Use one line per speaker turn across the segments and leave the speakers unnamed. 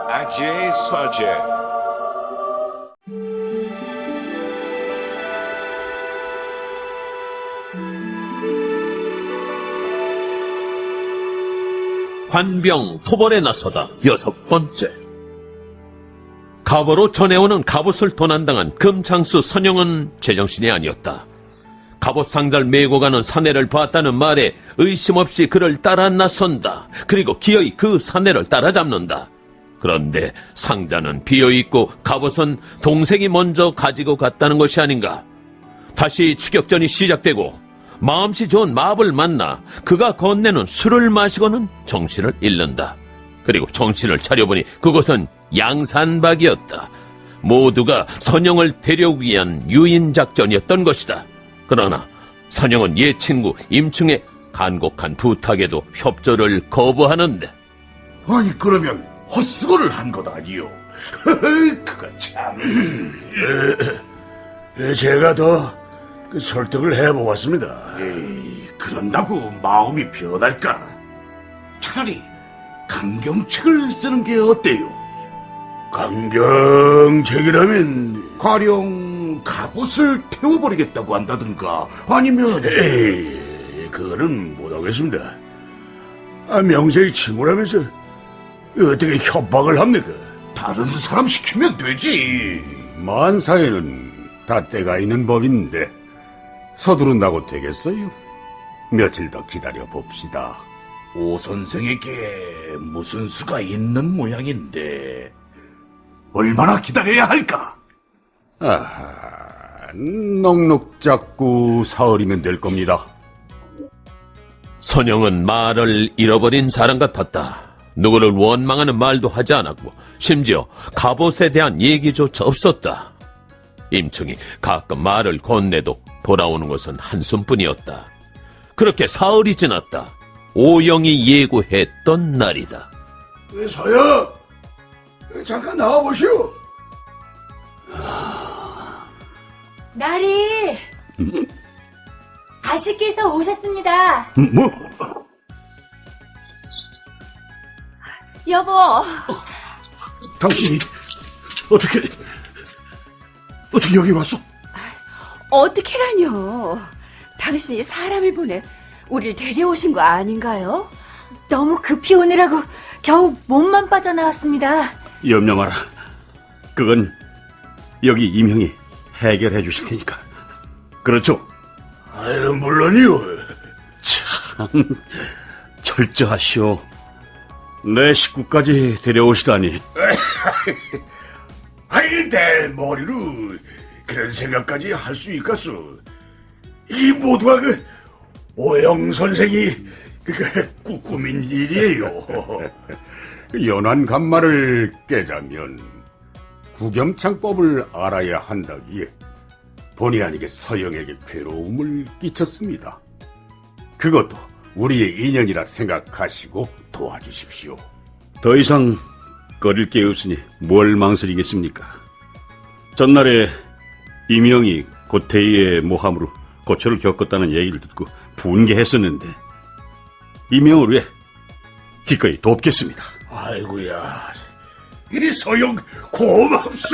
Ajay Sajay.
관병 토벌에 나서다 6번째. 갑으로 전해오는 갑옷을 도난당한 금창수 선영은 제정신이 아니었다. 갑옷 상자를 메고 가는 사내를 봤다는 말에 의심 없이 그를 따라 나선다. 그리고 기어이 그 사내를 따라잡는다. 그런데 상자는 비어있고 갑옷은 동생이 먼저 가지고 갔다는 것이 아닌가. 다시 추격전이 시작되고 마음씨 좋은 마법을 만나 그가 건네는 술을 마시고는 정신을 잃는다. 그리고 정신을 차려보니 그곳은 양산박이었다. 모두가 선영을 데려오기 위한 유인작전이었던 것이다. 그러나 선영은 옛 친구 임충의 간곡한 부탁에도 협조를 거부하는데,
아니 그러면 헛수고를 한 것 아니요? 그거 참...
제가 더 설득을 해보았습니다.
에이, 그런다고 마음이 변할까? 차라리 강경책을 쓰는 게 어때요?
강경책이라면
가령 갑옷을 태워버리겠다고 한다든가 아니면...
에이, 그거는 못하겠습니다. 명색이 친구라면서 어떻게 협박을 합니까?
다른 사람 시키면 되지.
만사에는 다 때가 있는 법인데 서두른다고 되겠어요? 며칠 더 기다려 봅시다.
오 선생에게 무슨 수가 있는 모양인데 얼마나 기다려야 할까?
아하, 넉넉 잡고 사흘이면 될 겁니다.
선영은 말을 잃어버린 사람 같았다. 누구를 원망하는 말도 하지 않았고 심지어 갑옷에 대한 얘기조차 없었다. 임충이 가끔 말을 건네도 돌아오는 것은 한숨뿐이었다. 그렇게 사흘이 지났다. 오영이 예고했던 날이다.
서영, 잠깐 나와보시오.
나리! 아씨께서 오셨습니다.
뭐?
여보,
당신이 어떻게 여기 왔어?
어떻게라뇨? 당신이 사람을 보내 우릴 데려오신 거 아닌가요? 너무 급히 오느라고 겨우 몸만 빠져나왔습니다.
염려 마라. 그건 여기 임형이 해결해 주실 테니까. 그렇죠?
아유, 물론이요.
참 철저하시오. 내 식구까지 데려오시다니.
아니, 내 머리로 그런 생각까지 할 수 있겠소. 이 모두가 오영 선생이 꾸민 일이에요.
연한 간말을 깨자면 구겸창법을 알아야 한다기에 본의 아니게 서영에게 괴로움을 끼쳤습니다. 그것도 우리의 인연이라 생각하시고 도와주십시오. 더 이상 꺼릴 게 없으니 뭘 망설이겠습니까? 전날에 임영이 고태희의 모함으로 고초를 겪었다는 얘기를 듣고 분개했었는데 임영을 위해 기꺼이 돕겠습니다.
아이고야, 이리 서영 고맙소.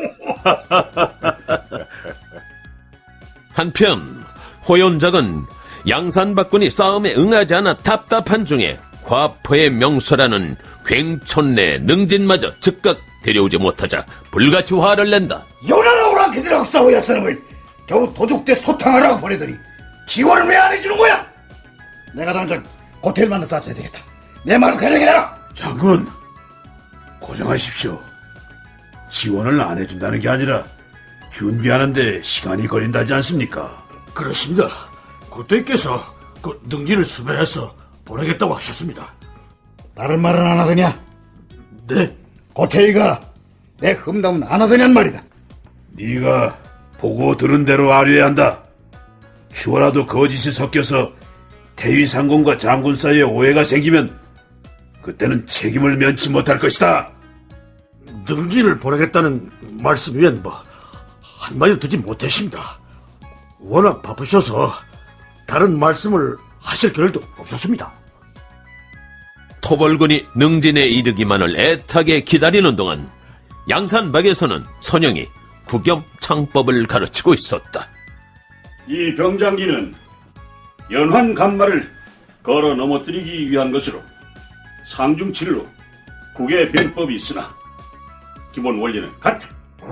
한편 호연작은 양산박군이 싸움에 응하지 않아 답답한 중에 과포의 명소라는 굉촌내 능진마저 즉각 데려오지 못하자 불같이 화를 낸다.
요나라 오랑캐들하고 싸워야 사람을 겨우 도둑대 소탕하라고 보내더니 지원을 왜 안 해주는 거야? 내가 당장 고텔 만나 따져야 되겠다. 내 말을 그냥 해라.
장군, 고정하십시오. 지원을 안 해준다는 게 아니라 준비하는데 시간이 걸린다지 않습니까?
그렇습니다. 고태께서 그 능진을 수배해서 보내겠다고 하셨습니다. 다른 말은 안 하더냐? 네. 고태이가 내 흠담은 안 하더냔 말이다.
네가 보고 들은 대로 아뢰야 한다. 휴라도 거짓이 섞여서 태위상공과 장군 사이에 오해가 생기면 그때는 책임을 면치 못할 것이다.
능진을 보내겠다는 말씀 위엔 한마디 듣지 못했습니다. 워낙 바쁘셔서 다른 말씀을 하실 겨를도 없었습니다.
토벌군이 능진에 이르기만을 애타게 기다리는 동안 양산박에서는 선영이 구겸창법을 가르치고 있었다.
이 병장기는 연환 간마를 걸어 넘어뜨리기 위한 것으로 상중칠로 국의 병법이 있으나 기본 원리는 같아.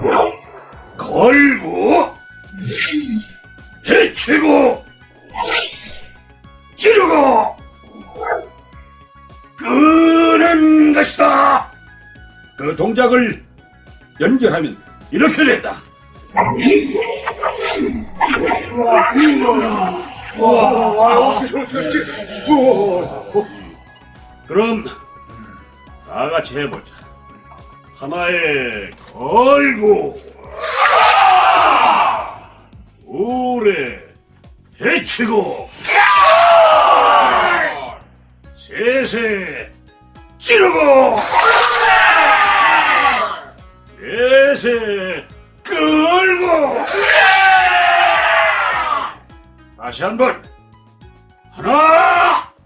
걸고 해치고 찌르고 끄는 것이다. 그 동작을 연결하면 이렇게 된다. 그럼 다 같이 해보자. 하나에 걸고 둘에 해치고 셋에 찌르고 넷에 끌고 다시 한번 하나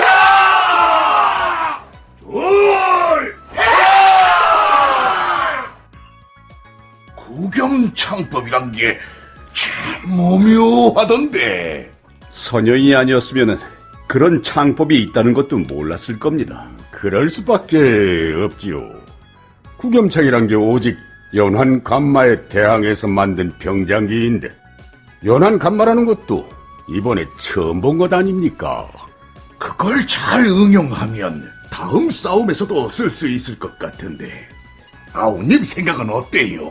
둘
구겸창법이란 게 참 오묘하던데.
선영이 아니었으면 그런 창법이 있다는 것도 몰랐을 겁니다. 그럴 수밖에 없지요. 구겸창이란 게 오직 연환 간마에 대항해서 만든 병장기인데 연환 간마라는 것도 이번에 처음 본 것 아닙니까?
그걸 잘 응용하면 다음 싸움에서도 쓸 수 있을 것 같은데. 아우님 생각은 어때요?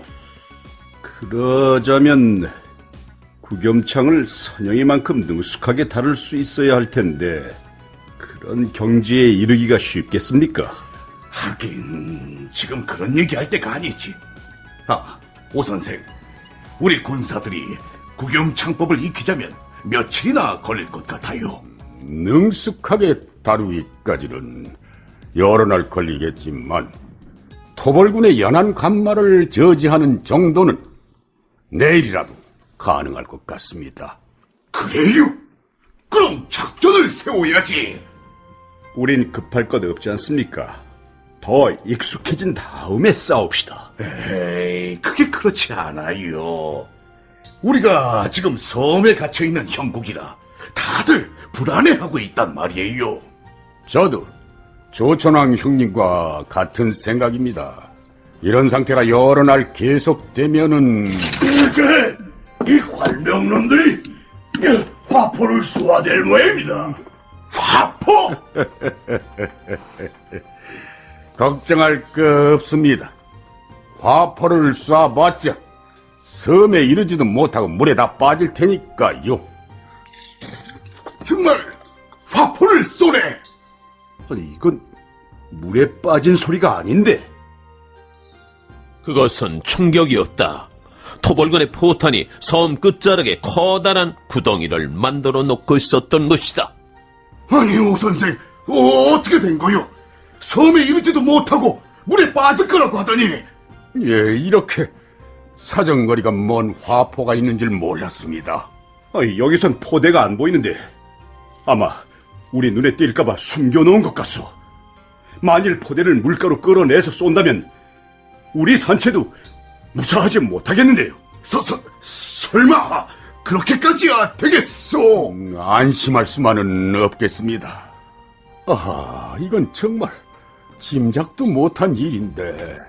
그러자면 구겸창을 선영이만큼 능숙하게 다룰 수 있어야 할 텐데 그런 경지에 이르기가 쉽겠습니까?
하긴 지금 그런 얘기할 때가 아니지. 아, 오 선생, 우리 군사들이 구겸창법을 익히자면 며칠이나 걸릴 것 같아요?
능숙하게 다루기까지는 여러 날 걸리겠지만 토벌군의 연한 간마를 저지하는 정도는 내일이라도 가능할 것 같습니다.
그래요? 그럼 작전을 세워야지.
우린 급할 것 없지 않습니까? 더 익숙해진 다음에 싸웁시다.
에이, 그게 그렇지 않아요. 우리가 지금 섬에 갇혀있는 형국이라 다들 불안해하고 있단 말이에요.
저도 조천왕 형님과 같은 생각입니다. 이런 상태가 여러 날 계속되면은
이제 이 관병놈들이 화포를 쏘아댈 모양입니다.
화포?
걱정할 거 없습니다. 화포를 쏴봤자 섬에 이르지도 못하고 물에 다 빠질 테니까요.
정말 화포를 쏘네.
아니, 이건 물에 빠진 소리가 아닌데.
그것은 충격이었다. 토벌군의 포탄이 섬 끝자락에 커다란 구덩이를 만들어 놓고 있었던 것이다.
아니, 오 선생, 어떻게 된 거요? 섬에 이르지도 못하고 물에 빠질 거라고 하더니.
예, 이렇게 사정거리가 먼 화포가 있는 줄 몰랐습니다. 아니, 여기선 포대가 안 보이는데 아마 우리 눈에 띌까봐 숨겨놓은 것 같소. 만일 포대를 물가로 끌어내서 쏜다면 우리 산채도 무사하지 못하겠는데요.
설마 그렇게까지야 되겠소?
안심할 수만은 없겠습니다. 아하, 이건 정말 짐작도 못한 일인데.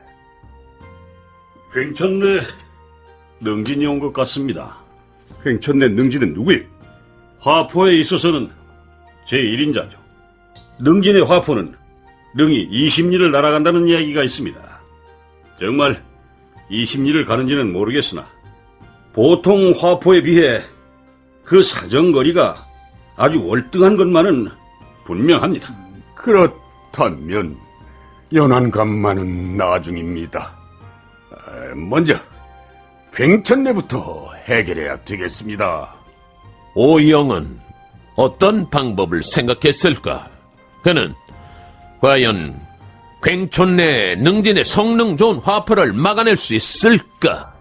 괜찮네. 능진이 온 것 같습니다.
횡천내 능지는 누구예요?
화포에 있어서는 제1인자죠. 능진의 화포는 능이 20리를 날아간다는 이야기가 있습니다. 정말 20리를 가는지는 모르겠으나 보통 화포에 비해 그 사정거리가 아주 월등한 것만은 분명합니다.
그렇다면 연안간만은 나중입니다. 먼저 횡천내부터 해결해야 되겠습니다.
오영은 어떤 방법을 생각했을까? 그는 과연 괭촌내 능진의 성능 좋은 화포를 막아낼 수 있을까?